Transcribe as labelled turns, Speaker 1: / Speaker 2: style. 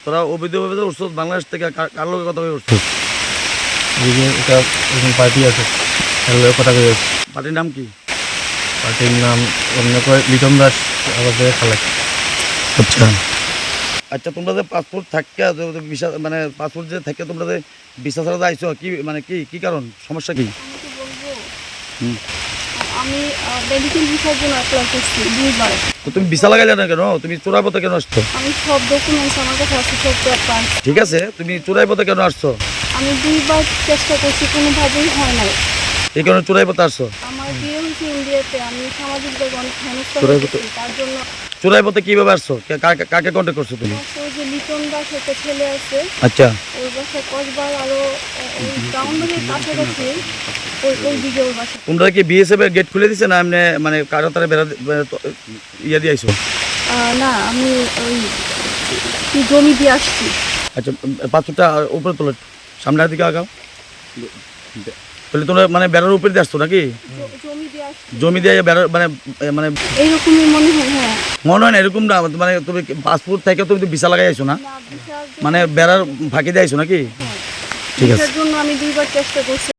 Speaker 1: তোরা অবৈধভাবে উঠছ বাংলাদেশ থেকে, কার লোকের কথা কই উঠছ?
Speaker 2: এটা পার্টি আছে, কথা কই আছে।
Speaker 1: পার্টির নাম কি?
Speaker 2: পার্টির নাম অন্য লিটন দাস আমাদের খালাই।
Speaker 1: আচ্ছা আচ্ছা, তোমরা যে পাসপোর্ট থাকে ভিসা মানে পাসপোর্ট যে থাকে তোমরা যে ভিসা ছাড়া আইছো, কি মানে কি কারণ, সমস্যা কি?
Speaker 3: আমি কি বলবো,
Speaker 1: হুম।
Speaker 3: আমি মেডিকেল ভিসার জন্য অ্যাপ্লাই করছি 2 বার।
Speaker 1: তো তুমি ভিসা লাগাইলে না কেন? তুমি চোরাই পথে কেন আসছো?
Speaker 3: আমি সব ডকুমেন্টস আমার কাছে আছে, সব পেপার।
Speaker 1: ঠিক আছে, তুমি চোরাই পথে কেন আসছো?
Speaker 3: আমি 2 বার চেষ্টা করছি, কোনোভাবেই হয় নাই।
Speaker 1: এই কারণে চোরাই পথে আসছো?
Speaker 3: আমার বিয়ে হয়েছে ইন্ডিয়াতে, আমি সামাজিক ভাবে অনেক হেনস্থা
Speaker 1: চোরাই
Speaker 3: হয়েছি,
Speaker 1: পথে-
Speaker 3: তার জন্য
Speaker 1: চোরাই পথে কিভাবে আসছো? কাকে কন্ট্যাক্ট করছো তুমি?
Speaker 3: ওই যে লিটন দাস একটা ছেলে আছে,
Speaker 1: আচ্ছা
Speaker 3: ওর বাসায় কসবার আরো ওই টাউনের কাছাকাছি, ওই দিকে ওর বাসা।
Speaker 1: তোমরা কি বিএসএফ এর গেট খুলে দিছে না এমনি মানে কারো তারা ইয়ে দিয়ে আইছো?
Speaker 3: না, আমি ওই কি জমি দিয়ে আসছি।
Speaker 1: আচ্ছা, পাথরটা উপরে তোলো, সামনের দিকে আগাও। তাহলে তোমরা মানে বেড়ার উপরে দিয়ে আসছো নাকি?
Speaker 3: জমি দিয়ে আসছি,
Speaker 1: জমি দিয়ে বেড়ার মানে মানে
Speaker 3: এইরকমই মনে হয়। হ্যাঁ,
Speaker 1: মনে হয় না এরকম না, মানে তুমি পাসপোর্ট থেকে তুমি তো ভিসা লাগাই আইছো না,
Speaker 3: না ভিসার জন্য-
Speaker 1: মানে বেড়ার ফাঁকি দিয়ে আইছো নাকি?
Speaker 3: হ্যাঁ,
Speaker 1: ঠিক আছে।
Speaker 3: ভিসার জন্য আমি 2 বার চেষ্টা করছি,